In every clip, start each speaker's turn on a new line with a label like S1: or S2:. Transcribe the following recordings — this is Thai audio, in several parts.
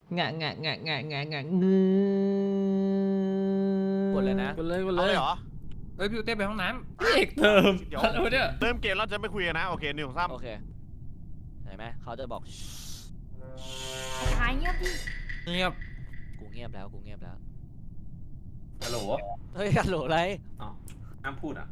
S1: งะงะงะงะงะงะ
S2: กดเลยนะ
S3: กดเลย
S4: เหรอ
S3: เฮ้ยพี่เต้ไปห้องน้
S1: พี่เอกเติม
S4: เดี๋ยว
S3: ำเนี่ย
S4: เริ่มเกมแล้วจะไม่คุยกันนะโอเค1 2 3
S2: โอเคเห็นไหมเขาจะบอก
S5: หายเงียบดิ
S3: เงียบ
S2: กูเงียบแล้วกูเงียบแล้ว
S6: ฮัลโหล
S2: เฮ้ยฮัลโหลอะไร
S6: อ้าวห้ามพูดอ่ะ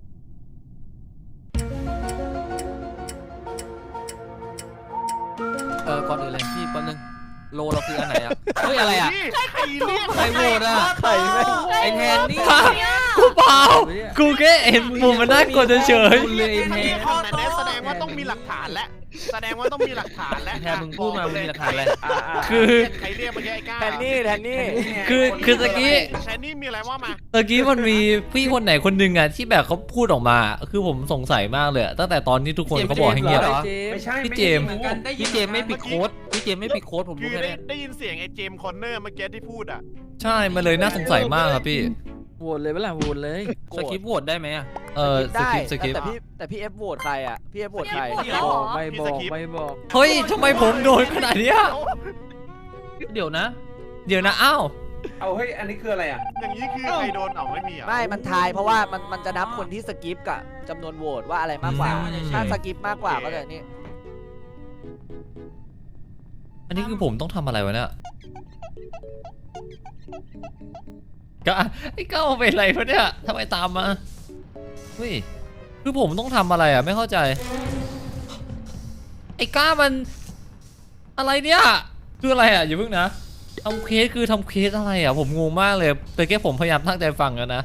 S3: ก่อนอื่นเลยพี่แป๊บนึงโลเราคืออันไหนอะเฮ้ยอะไรอะ
S4: ใครเรียก
S3: ใครโหวตอะ
S2: ใครไม่
S3: ไอแทนนี่
S1: กูเปล่ากูแค่เห็นมุมมันน่ากลัวเฉย
S3: คุณเลยไอแท
S4: นี่
S3: น
S4: ข้อไหนแสดงว่าต้องมีหลักฐานและแสดงว่าต้องมีหลักฐานและ
S3: ไอแทนมึงพูดมามึงมีหลักฐานอะไร
S1: ๆคือ
S4: ใครเรียกเมื่อกี้ไอ้ก้า
S2: แทนนี่แทนนี่
S1: คือตะกี้
S4: แทนนี่มีอะไรว่ามา
S1: ตะกี้มันมีพี่คนไหนคนหนึ่งอ่ะที่แบบเขาพูดออกมาคือผมสงสัยมากเลยอะตั้งแต่ตอนที่ทุกคนเขาบอกให้เงียบ
S6: ไม่ใช่
S1: พี่เจมส์
S3: พี่เจมไม่ปิดโค้ดพี่เจมไม่ปิดโค้ดผม
S4: คื
S3: รู้
S4: อ
S3: แค่
S4: ได้
S3: นี้
S4: ได้ยินเสียงไอ้เจมส์คอนเนอร์เมื่อกี้ที่พูดอ่ะ
S1: ใช่มันเลยน่าสงสัยมากครับพี่
S3: โหวตเลยเปล่าโหวตเลยสคริปต์โหวตได้ไหมอะ
S1: ส
S2: ได้
S1: คริปต์
S2: แต่พี่เอฟโหวตใครอ่ะพี่เอฟโหวตใคร
S3: ไม่บอกไม่บอก
S1: เฮ้ยทำไมผมโดนขนาดเนี้ย
S3: เดี๋ยวนะ
S1: เดี๋ยวนะอ้าว
S6: เอาเฮ้ยอันนี้คืออะไรอ่ะ
S4: อย่างนี้คือใครโดนเอาไม่มีอ่ะ
S2: ไม่มันทายเพราะว่ามันจะนับคนที่สกิปกับจำนวนโหวตว่าอะไรมากกว่าถ้าสกิปมากกว่าก็จะนี่
S1: อันนี้คือผมต้องทำอะไรวะเนี่ยก็ไอ้ก้าวเป็นอะไรวะเนี่ยทำไมตามมาเฮ้ยคือผมต้องทำอะไรอ่ะไม่เข้าใจไอ้ก้ามันอะไรเนี่ยคืออะไรอ่ะอย่าเพิ่งนะทำเคสคือทำเคสอะไรอ่ะผมงงมากเลยแต่แค่ผมพยายามตั้งใจฟังกันนะ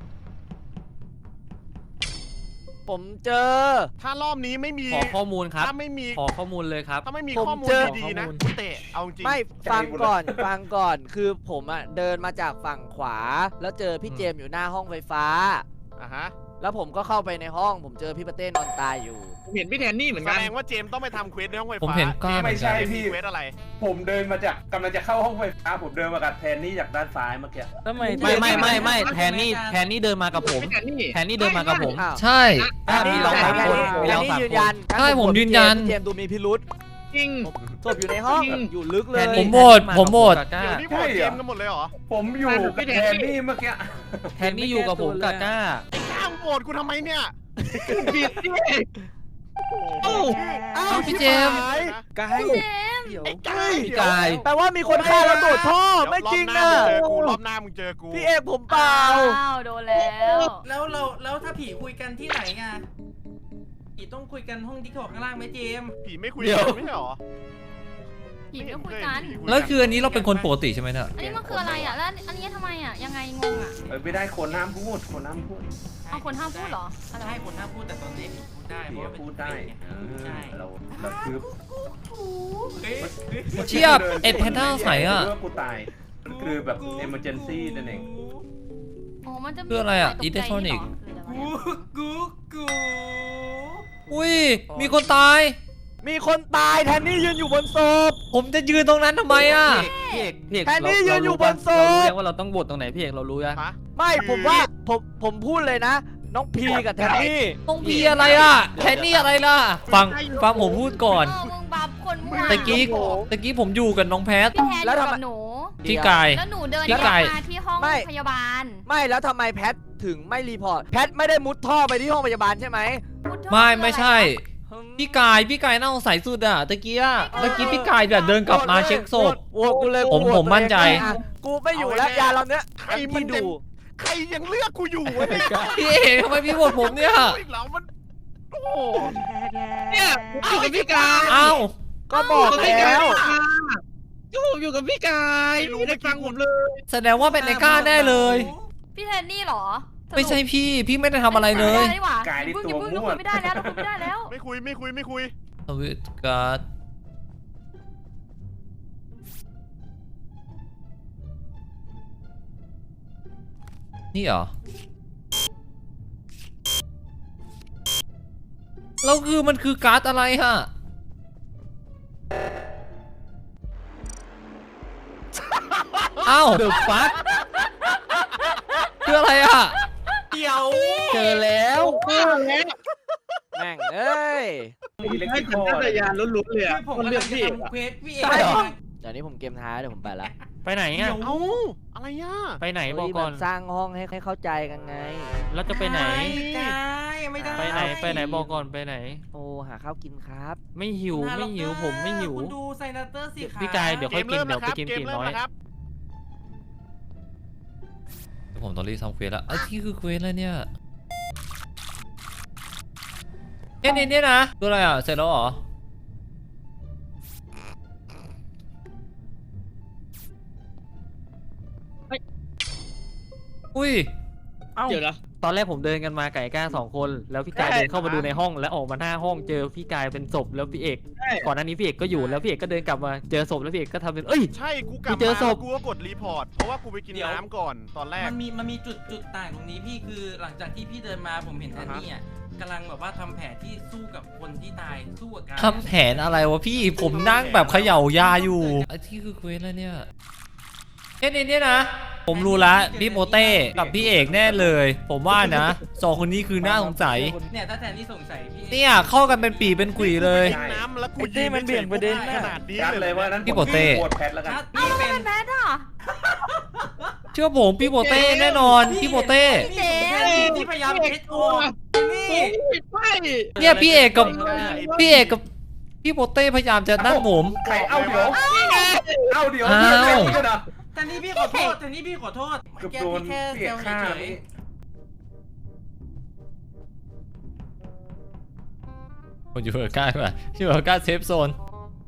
S2: ผมเจอ
S4: ถ้ารอบนี้ไม่มี
S3: ขอข้อมูลครับ
S4: ถ้าไม่มี
S3: ขอข้อมูลเลยครับ
S4: ถ้าไม่มี
S2: ผม
S4: ข้อมูล
S2: เจอ
S4: ดีๆนะ
S3: ข้อมูล
S4: กูเตะเอาจริง
S2: ไม่ฟังก่อนฟังก่อนคือผมอ่ะเดินมาจากฝั่งขวา แล้วเจอพี่เจมส์อยู่หน้าห้องไฟฟ้า
S4: อ่ะฮะ
S2: แล้วผมก็เข้าไปในห้อง ผมเจอพี่ปะเต้นอนตายอยู่
S3: ผมเห็นพี่แทนนี่เหมือน
S4: แส
S3: กัน
S4: ดงว่าเจมส์ต้องไปทำเควสในห้องไฟ
S1: ผม
S4: ฟ้า
S1: เห็นก้า
S4: เจ
S1: เหมื
S4: ไม่
S1: อนกั
S4: ใช่
S1: น
S4: พี่เควสอะไร
S6: ผมเดินมาจากกำลังจะเข้าห้องไฟฟ้าผมเดินมากับแทนนี่จากด้านซ้ายเมื่อกี้
S3: ทำไมไม่แทนนี่เดินมากับผมแทนนี่เดินมากับผม
S2: อ้าว
S1: ใช่
S3: มีเราสามคน
S2: แทนนี่ยืนยัน
S1: ใช่ผมยืนยัน
S2: พี่เจมส์ดูมีพิรุษ
S3: จริง
S2: ศพอยู่ในห้องอยู่ลึกเลย
S1: ผมโหวตผมโหวต
S4: เดี๋ยวนี้โหวตเจมส์กันหมดเลยเหรอ
S6: ผมอยู่กับแทนนี่เมื่อกี้
S3: แทนนี่อยู่กับผมกับก้า
S4: ไอ้ก้าวโหวตกูทำไมเนี่ย
S3: ผิดที่
S4: โอ้โห
S2: อ้าว
S1: พี่เจมส์
S3: กาย
S5: เจมส์
S3: เดี๋ยว
S4: ไอ้ก้าว
S3: พี่กาย
S2: แปลว่ามีคนฆ่าแล้วโดดท่อไม่จริงนะ
S4: รอบหน้ามึงเจอกู
S2: พี่เอกผมเปล่า
S5: อ้าวโดนแล้ว
S7: แล้วถ้าผีคุยกันที่ไหนอ่ะผีต้องคุยกันห้องที่ขอข้างล่างไหมเจมส์
S4: ผีไม่คุยกันไม่ใช่หรอ
S5: ผีไม่คุยกัน
S1: แล้วคืออันนี้เราเป็นคนปกติใช่ไหมเนี่ย
S5: อันนี้มันคืออะไรอ่ะ แล้วอันนี้ทำไมอ่ะ ยังไงงงอ่ะ
S6: ไม่ได้คนห้ามพูดคนห้ามพูด
S5: เอาคนห้ามพูดเหรออะไร
S7: ใช่
S5: วะ
S7: คนห้ามพูดแต่ตอนเด็กพูดได้เพ
S6: ผี
S7: ราะว่าเป็น
S6: พูดได้
S7: เด็ก
S6: เอ
S7: ไงใช่
S6: อเราคือ
S7: เฮ้ย
S1: เชียบเอ็ดแพนด้าใสอ่ะ
S6: ว่ากูตายมันคือแบบ emergency นั่นเอง
S5: อ๋อมันจะมี
S1: คืออะไรอ่ะ
S5: ตกใจ
S1: electronic
S5: เหรอคืออะไรวะ
S7: กู
S1: อุ้ยมีคนตาย
S2: มีคนตายแทนนี่ยืนอยู่บนศพ
S1: ผมจะยืนตรงนั้นทำไมอ่ะ
S3: พี่เอก
S2: แทนนี่ยืนอยู่บนศพ
S3: เรารู้ยังว่าเราต้องบทตรงไหนพี่เอกเรารู้ยัง
S4: ฮะ
S2: ไม่ผมว่าผมพูดเลยนะ น้องพีกับแทนนี่
S1: ต้องพีอะไรอ่ะแทนนี่อะไรล่ะฟังผมพูดก่อน
S5: มึงบับคนมั่ว
S1: ตะกี้ผมอยู่กับน้องแพท
S5: พี่แทนอยู่กับหนู
S1: พี่กาย
S5: แล้วหนูเดิน
S1: พี่ไก่
S5: มาที่ห้องพยาบาล
S2: ไม่แล้วทำไมแพทถึงไม่รีพอร์ตแพทไม่ได้มุดท่อไปที่ห้องพยาบาลใช่ไหม
S5: พูดเถอะ
S1: ไม่ใช่ พี่กายน่าสงสัยสุดอ่ะตะกี้อ่ะเมื่อกี้พี่กายแบบเดินกลับมาเช็คศพ
S2: โหวตกูเลย
S1: ผมมั่นใจ
S2: กูไม่อยู่แล้วยาเราเนี้ย
S4: ใครมัน
S2: ที่
S4: จะ
S2: ดู
S4: ใครยังเลือกกูอยู่วะเนี่ย
S1: พี่เอกทำไมพี่โหวตผมเนี่ย
S4: อีกแล้วมันโอ้โห
S3: เนี่ยอยู่กับพี่กาย
S1: อ้าว
S2: ก็บอกแล้ว
S3: ผมอยู่กับพี่กายไม่ได้ฟังผมเลย
S1: แสดงว่าเป็นไอ้ก้าแน่เลย
S5: พี่แทนนี่เหรอ
S1: ไม่ใช่พี่ไม่ได้ทำอะไรเลย
S5: ไม่ได้ดีกว่าก
S6: ายนี่
S5: อย่า
S6: ตัว
S5: เพิ่ง
S6: มั่ว
S5: ไม่ได้แล้วเราคุยไม่ได้แล้ว
S4: ไม่คุย
S1: สวิตการ์ดนี่เหรอแล้วคือมันคือการ์ดอะไรฮะอ้าวเดือดฟักคืออะไรอ่ะ
S7: เดี๋ยว
S3: เจอแล้ว
S2: แม่งเอ้ย
S6: อิเล็กท
S3: ให้
S6: ริ
S3: สัญ
S6: คอ
S3: ชาตญาณล้วนๆเลย
S7: คื
S3: อ่ะ
S7: อผม
S3: คน
S7: กำ
S3: เลื
S7: ลั
S3: อก
S7: งจะ
S3: พี่
S7: ทำเควสพี่เอ
S3: ใช่เหรอ
S7: ง
S2: เดี๋ยวนี้ผมเกมท้ายเดี๋ยวผมไปละ
S3: ไปไหนอ่ะ
S4: เอ้าอะไรอ่ะ
S3: ไปไหน
S2: เฮ้ย
S3: บอกก่อน
S2: แบบสร้างห้องให้เข้าใจกันไง
S3: แล้วจะไปไหน
S7: ไม่ได้
S3: ไปไหนบอกก่อนไปไหน
S2: โอ้หาข้าวกินครับ
S3: ไม่หิวผมไม่หิว
S7: คุณดูไซนัตเตอร์สิครับ
S3: พี่กายเดี๋ยว
S4: เก
S3: ค่อย
S4: ม
S3: กิน
S4: เริ่ม
S3: เดี๋ยว
S4: นะค
S3: ไป
S4: รับ
S3: กิน
S4: เกม
S3: ตี
S4: เริ่ม
S3: น้อย
S4: นะครับ
S1: ผมต้องรีบทำเควสแล้วที่คือเควสแล้วเนี่ยเนี่ยนะตัวอะไรอ่ะเสร็จแล้วเหรออุ้ย
S3: เดี๋ยวนะตอนแรกผมเดินกันมาไก่ก้า2 คนแล้วพี่กายเดินเข้ามาดูในห้องแล้วออกมาหน้าห้องเจอพี่กายเป็นศพแล้วพี่เอกก่อนหน้านี้พี่เอกก็อยู่แล้วพี่เอกก็เดินกลับมาเจอศพแล้วพี่เอกก็ทำเป็น
S4: ใช่กูกลับ
S3: เจอ
S4: มา
S3: ศพ
S4: กูก็กดรีพอร์ตเพราะว่ากูไปกินน้ำก่อนตอนแรก
S7: มันมีจุดต่างตรงนี้พี่คือหลังจากที่พี่เดินมาผมเห็นแทนนี่อ่ะกำลังแบบว่าทำแผนที่สู้กับคนที่ตายสู้กับการ
S1: ทำแผนอะไรวะพี่ผมนั่งแบบเขย่ายาอยู่ที่คือเควสแล้วเนี่ยเนี่ยนะผมรู้ละพี่โมเต้กับพี่เอกแน่เลย ผมว่านะ2 คนนี้คือน่าสงสัย
S7: เนี่ยถ้าแทนนี่สงสัยพี่
S1: เนี่ยเข้ากันเป็นปีเป็นกุยเลย
S4: กินน้ำแล้วกู
S2: ไอ้เต้มันเบี่ยงประเด็นน่ะ
S4: ขนาดนี้
S6: ยัด
S4: เล
S6: เลย ยว่านั้น
S1: พี่โปเต้
S6: โหวตแพทแล้วกัน
S7: ถ้าพี่เป็น
S5: แพทอ่ะ
S1: เชื่อผมพี่โมเต้แน่นอนพี่โมเต้
S7: ที่พยายามเช็ดออกนี่
S1: เนี่ยพี่เอกกับพี่โมเต้พยายามจะนั่นผม
S6: ใครเอาเดี๋ยวเอาเดี๋ยว
S1: อ้าว
S6: เดี๋ยวเดี๋ยวนะ
S7: แทนนี่พี่ขอโทษแทนนี่พี่ขอโทษ
S6: เกือบ
S7: แก
S6: โดน
S7: พี่แค่
S6: เปีย
S7: เซ
S6: ก
S7: ล
S6: ฆ่า
S7: เฉย
S6: นี่
S1: ผมอยู่เบอร์ก้าดีกว่าที่เบอร์ก้าเซฟโซน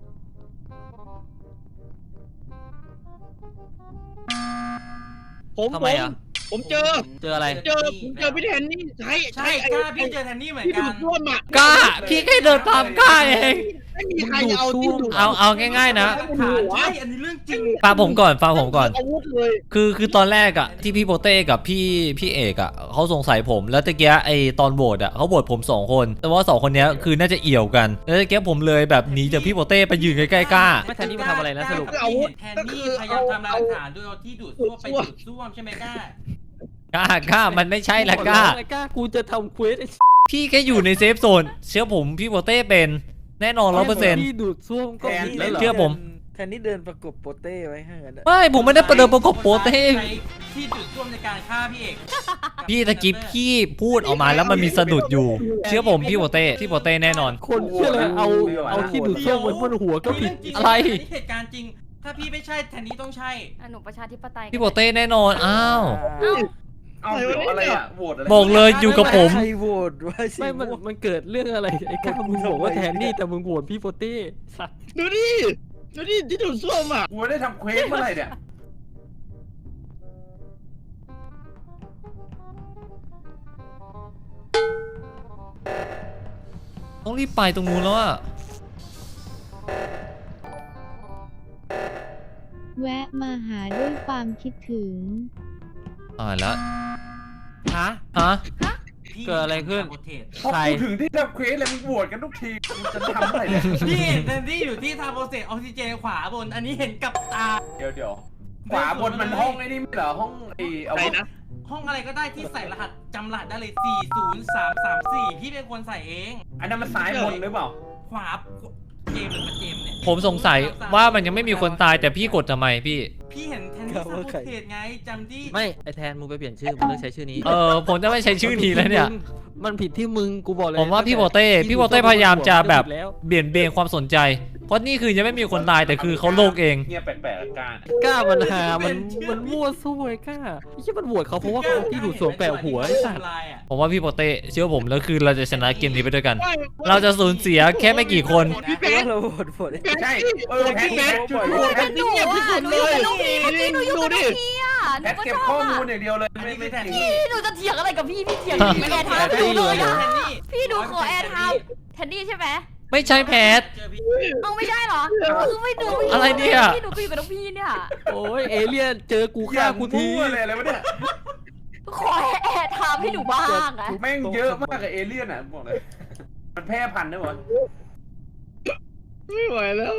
S3: ทำไมอ่ะ
S8: ผมเจอ
S3: เจออะไร
S8: เจอพี่แทนนี่ใช่
S7: ใช่กล้าพี่เจอแทนนี่เหมือน
S8: ที่
S7: กั
S8: ดู
S7: น
S8: ดร่วมอ่ะ
S1: กล้าพี่แค่เดินตามกล้าเอง
S8: ไม่มีใครเอาที่ดูด
S1: เอาง่ายๆนะ
S7: ใช่อันนี้เรื่องจริง
S1: ฟังผมก่อน
S8: อาวุธเลย
S1: คือตอนแรกอะที่พี่โปเต้กับพี่เอกอะเขาสงสัยผมแล้วตะเกียไอตอนโหวตอะเขาโหวตผม2 คนแต่ว่า2 คนเนี้ยคือน่าจะเอี่ยวกันแล้วตะเกียผมเลยแบบหนีจากพี่โปเต้ไปยืนใกล้ๆกล้า
S3: ไม่แทนนี่มาทำอะไรนะสรุป
S7: แทนนี่พยายามทำลายหลักฐานด้วยเอาที่ดูดซ่วมไปดูดซ่วมใช่ไหมกล้า
S1: กล้ามันไม่ใช่ละกล้า
S3: กล้ากูจะทำเควส
S1: พี่แค่อยู่ในเซฟโซนเชื่อผมพี่โปเต้เป็นแน่นอน100%
S3: พี่ดูดซ่วมก็ผิดแล้วเหรอ
S1: เชื่อผม
S2: แทนนี่เดินประกบโปเต้ไว้ให้กัน
S1: ไม่ผมไม่ได้ประเดิมประกบโปเต้
S7: ใช้ที่ดูดซ่วมในการฆ่าพี่เอก
S1: พี่ตะกี้พี่พูดออกมาแล้วมันมีสะดุดอยู่ เชื่อผมพี่โปเต้แน่นอน
S3: คนเชื่อเลยเอาที่ดูดซ่วมบนหัวก็ผิด
S1: อะไร
S7: เหตุการณ์จริง ถ้าพี่ไม่ใช่แทนนี่ต้องใช่
S5: หนูประชาธิปไตย
S1: พี่โปเต้แน่นอนอ้าว
S6: เอาเดี๋ยวอะไรอะโหวตอะไร
S1: บอกเลยอยู่กับผม
S2: ใครโหวตวะสิ
S3: ไม่มันเกิดเรื่องอะไรไอ้ก้ามึงบอกว่าแทนนี่แต่มึงโหวตพี่โปเต้สัตว์
S8: ดูดิที่ดูดซ่วมอ่ะ
S6: กูไม่ได้ทำเควสเมื่อไหร่เนี่ย
S1: ต้องรีบไปตรงนู้นแล้วอะ
S9: แวะมาหาด้วยความคิดถึง
S1: แล้ว
S3: ฮะ
S7: พี่
S3: เกิดอะไรขึ้น
S6: พอกูถึงที่ทำเควสเลยมึงโหวตกันทุกทีกูจะทำเมื่อไหร่เนี่ย
S7: พี่เห็นแทนนี่อยู่ที่ทาโปรเซสออกซิเจนขวาบน อันนี้เห็นกับตา
S6: เดี๋ยวขวาบนมันห้องไอ้นี่ไม่เหรอห้องไอ้เอา
S8: ไหนนะ
S7: ห้องอะไรก็ได้ที่ใส่รหัสจำรหัสได้เลย 40334 พี่เป็นคนใส่เอง
S6: อันนั้นมันซ้ายบนหรือเปล่า
S7: ขวาเจมส์หรือมันเจมส์เนี่ย
S1: ผมสงสัยว่ามันยังไม่มีคนตายแต่พี่กดทำไมพี่
S7: พี่เห็นแทนนี่ซาโปรเซสไงจำที่
S3: ไม่ไอแทนมึงไปเปลี่ยนชื่อมึงเลิกใช้ชื่อนี้
S1: ผมจะไม่ใช้ชื่อนี้แล้วเนี่ย
S3: มันผิดที่มึงกูบอกเลย
S1: ผมว่าพี่โปเต้พยายามจะแบบเบี่ยงเบนความสนใจ เพราะนี่คือยังไม่มีคนตายแต่คือเขาโลกเอง
S6: เงียบแปลกๆการ
S3: กล้ามันหามันมั่วซั่วไอ้กล้าไม่ใช่มันโหวตเขาเพราะว่าเขาที่ดูดซ่วมแปะหัวไอ้สัตว์
S1: ผมว่าพี่โปเต้เชื่อผมแล้วคือเราจะชนะเกมนี้ไปด้วยกัน เราจะสูญเสียแค่ไม่กี่คน
S8: พี่แพท
S2: เราโหวต
S6: ใช่แพท
S8: พี่แพท
S6: ช่วย
S8: โหวตแพทนี่เงียบที่สุดเลยดูดิ
S5: พี่อ่ะห
S6: แพ
S5: นู
S6: ท
S5: ก็
S6: เก็บ
S5: ช
S6: ข้
S5: อ
S6: อบ มูล
S5: อ่ะ
S6: อย่างเดียวเลย
S7: อันนี้คือแทน
S6: จริง
S7: นี่
S5: พี่หนูจะเถียงอะไรกับพี่เถียงอยู่แอร์ไทม์หนูเลยอ่ะ
S7: แทนนี่
S5: พี่ดูขอแอร์ไทม์แทนนี่ใช่ไหม
S1: ไม่ใช่แพท
S7: เจอพี่
S5: เอาไม่ใช่เหรอคือไม่ดู
S1: อะไรเนี่ย
S5: พี่หนูก็อยู่กับน้องพี่เนี่ย
S3: โอ้ยเอเลี่ยนเจอกู
S6: อ
S3: ฆ่า
S6: ย่าง
S3: กูที
S6: มั่วเลยอะไรวะเนี่ย
S5: ขอแอร์ไทม์ให้หนูบ้างอะ
S6: แม่งเยอะมากกับเอเลี่ยนอ่ะบอกเลย มันแพร่พันธุ์ได้หมด
S8: ไม่ไหวแล้ว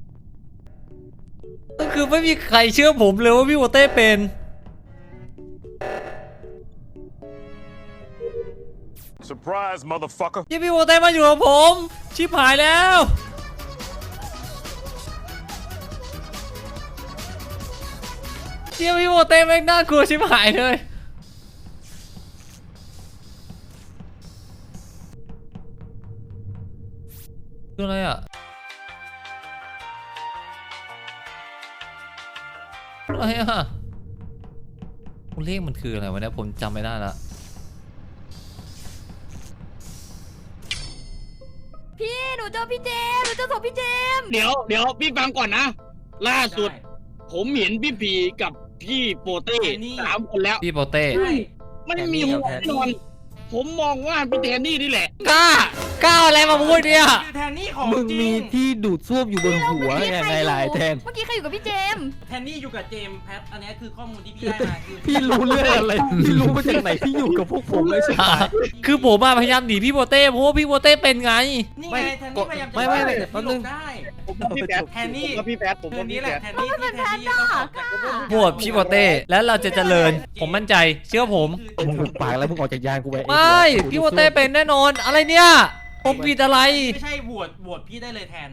S1: ก็คือไม่มีใครเชื่อผมเลยว่าพี่โปเต้เป็น
S10: Surprise, motherfucker.
S1: ที่พี่โปเต้มาอยู่กับผม ชิบหายแล้วชี่ยพี่โมเต้แม่งน่ากลัวชิบหายเลยคืออะไรอ่ะอะไรอ่ะเลขมันคืออะไรวะเนี่ยผมจำไม่ได้ละ
S5: พี่หนูเจอพี่เจมส์หนูเจอศพพี่เจมส์
S8: เดี๋ยวพี่ฟังก่อนนะ ล่าสุด ผมเห็นพี่ผีกับพี่โปเต้3 คนแล้ว
S1: พี่โปเต้
S8: ไม่มีหัวแน่นอน ผมมองว่าพี่แทนนี่นี่แหละ
S1: กล้าอะไรมาพูดเนี่ย
S7: คือแทนนี่ของ
S3: มึง
S7: จริ
S3: มี
S7: ง
S3: ที่ดูดซ่วมอยู่บนหัวยังไงล่ะไอ้แทน
S5: เมื่อกี้ใครอยู่กับพี่เจมส์
S7: แทนนี่อยู่กับเจมส์แพทอันนี้คือข้อมูลที่พี่ได้มาคือ
S3: พี่รู้เรื่องอะไรพี่รู้มาจากไหนพี่อยู่กับพวกผมเลยใช่ไหม
S1: คือผมมาพยายามหนีพี่โปเต้เพราะว่าพี่โปเต้เป็นไง
S7: นี่ไงแทนนี่พยายามจะ
S3: ไม่
S7: ว่า
S3: แป๊
S7: พี่
S3: บ
S7: หล
S3: นึง
S7: บได้
S8: ผมกับพี่แพท
S7: แทนนี่
S8: ผมกับพี่แพทผม
S7: คื
S8: กับ
S7: นนี้
S8: พี่
S7: แห
S8: แพ
S7: ละ
S8: ท
S7: แทนนี่ที่แทนนี่ต้องออกจาก
S1: โหวตพี่โปเต้แล้วเราจะเจริญผมมั่นใจเชื่อผม
S3: มึงหุบปากแล้วมึงออกจากยานกูไป
S1: ไม่พี่โปเต้เป็นแน่นอนอะไรเนี่ยผมผิดอะไร
S7: ไม่ใช่โหวตพี่ได้เลยแทน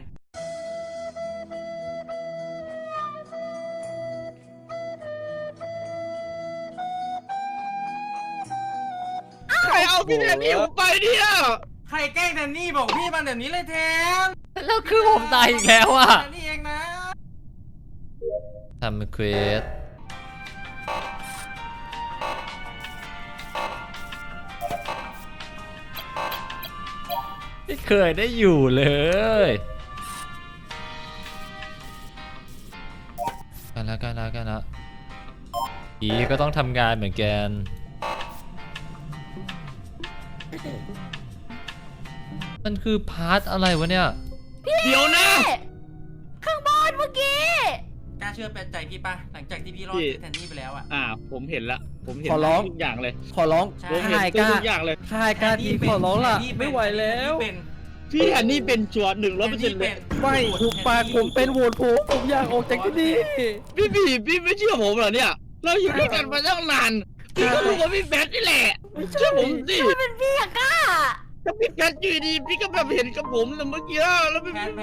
S8: ใครเอาพี่แทนนี่ผมไปเนี่ย
S7: ใครแกล้งแทนนี่บอกพี่มาเดี๋ยวนี้เลยแทน
S1: แล้วคือผมตายอีกแล้วอะ
S7: แทนนี่เองนะ
S1: ทำเควสไม่เคยได้อยู่เลยกันละผีก็ต้องทำงานเหมือนกันมันคือพาร์ทอะไรวะเนี่ย
S8: เดี๋ยวนะ
S5: ข้างบนเมื่อกี้
S7: กล้าเชื่อใจพี่ปะหลังจากที่พี่รอดแทนนี่ไปแล้วอ่ะ
S8: ผมเห็นละผมเห็น
S3: ขอร้อง
S8: ทุกอย่างเลย
S3: ขอร้อง
S7: ใช่
S8: ผมเห็น
S3: ค่ายกล้า
S8: ทุกอย่างเลย
S3: ค่ายกล้าทีขอร้องล่ะไม่ไหวแล้ว
S8: พี่แทนนี่เป็นชัวร์100%เลย
S3: ไม่หุบปากผมเป็นโหวตผมอยากออกจากที่นี่
S8: พี่ไม่เชื่อผมเหรอเนี่ย เราอยู่ด้วยกันมาตั้งนาน พี่ก็รู้ว่าพี่แบทนี่แหละเชื่อผมสิ
S5: เป็นพี่อะกล้า
S8: ถ้าพี่แบทอยู่ดีพี่ก็แบบเห็นกับผมนะเมื่อกี้แล้วพี่
S7: แพท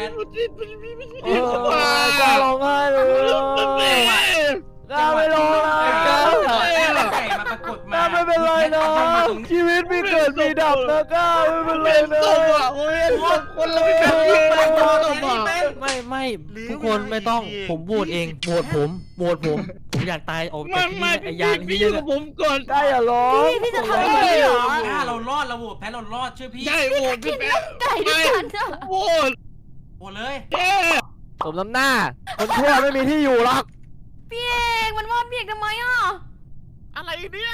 S2: กล้าร้องไห้เลยกล้าไม่ร้องเลย
S7: ก
S2: ก
S7: ล้า
S2: ล้า
S7: ไก่มาปรากฏ
S2: กล้าไม่เป็นไรนะชีวิตมีเกิดมีดับนะกล้าไม่เป็นไร
S8: เป็น
S2: นะ
S8: ศพอ่ะโอ้ยคนเราพี่แบทยิงไปโดนศพอ่ะ
S3: ไม่ทุกคนไม่ต้องผมโหวตเองโหวตผมอยากตายออกจากที่
S8: ไม่
S3: นี่ไอ้ยาน
S8: พี่
S3: ที่
S8: อยู่
S3: เย
S8: กับ
S3: อะ
S8: ผมก่อน
S2: กล้าอย่าร้อง
S5: พี่จะทำอะไรเหรอ
S7: เรารอดเราโหวตแพ้เรารอดเชื่อพี่
S8: ใช่โอ้พี่แบท
S5: ไก่ด้วยกันอะ
S8: โอ้ย
S7: โหวตเลย
S8: แย่
S2: สมน้ำหน้า คนชั่วไม่มีที่อยู่หรอก
S5: พี่เอกมันว่าพี่เอกทำไมอ่ะ
S4: อะไรเนี่ย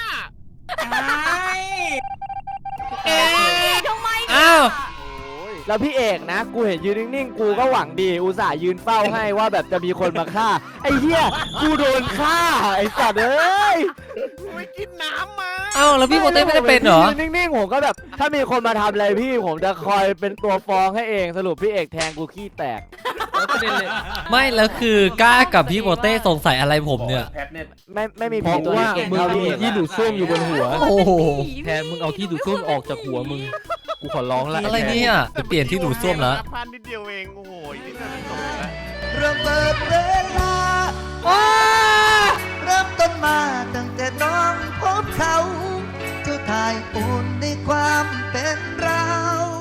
S5: เอกทำไมเนี่ย
S1: อ้าว
S2: แล้วพี่เอกนะ กูเห็นยืนนิ่งๆ กูก็หวังดี อุตส่าห์ยืนเฝ้าให้ว่าแบบจะมีคนมาฆ่า ไอ้เหี้ย กูโดนฆ่า ไอ้สัตว์เอ้ย
S4: ไปกินน้ำมา
S1: เอ้าแล้วพี่โปเต้ไม่ได้เป็นเหรอ
S2: ยืนนิ่งๆ ผมก็แบบ ถ้ามีคนมาทำอะไรพี่ ผมจะคอยเป็นตัวฟ้องให้เอง สรุปพี่เอกแทงกูขี้แตก
S3: แล้วประเด็นเลย
S1: ไม่แล้วคือกล้ากับพี่โปเต้สงสัยอะไรผมเนี่ย
S6: แพทเนี่ย
S2: ไม่มี
S3: เพ
S2: ผี
S3: ราะ
S2: ตัว
S3: ว่า
S2: นี้เก่ง
S3: มึง
S2: เท่า
S3: มี
S2: พี่เอก
S3: ที่ดูดซ่วมอยู่บนหัว
S1: โอ้โห
S3: แทนมึงเอาที่ดูดซ่วมออกจากหัวมึงกูขอร้องละ
S1: อะไรเนี่ยจะเปลี่ยนที่ดูดซ่วมแล้ว
S4: พลาดนิดเดียวเอง โอ้โหอีกนิดเดียวจะจบแล้ว
S11: เริ่มเปิดเวลาเริ่มต้นมาตั้งแต่น้องพบเขา เจ้าทายอุ่นในความเป็นเรา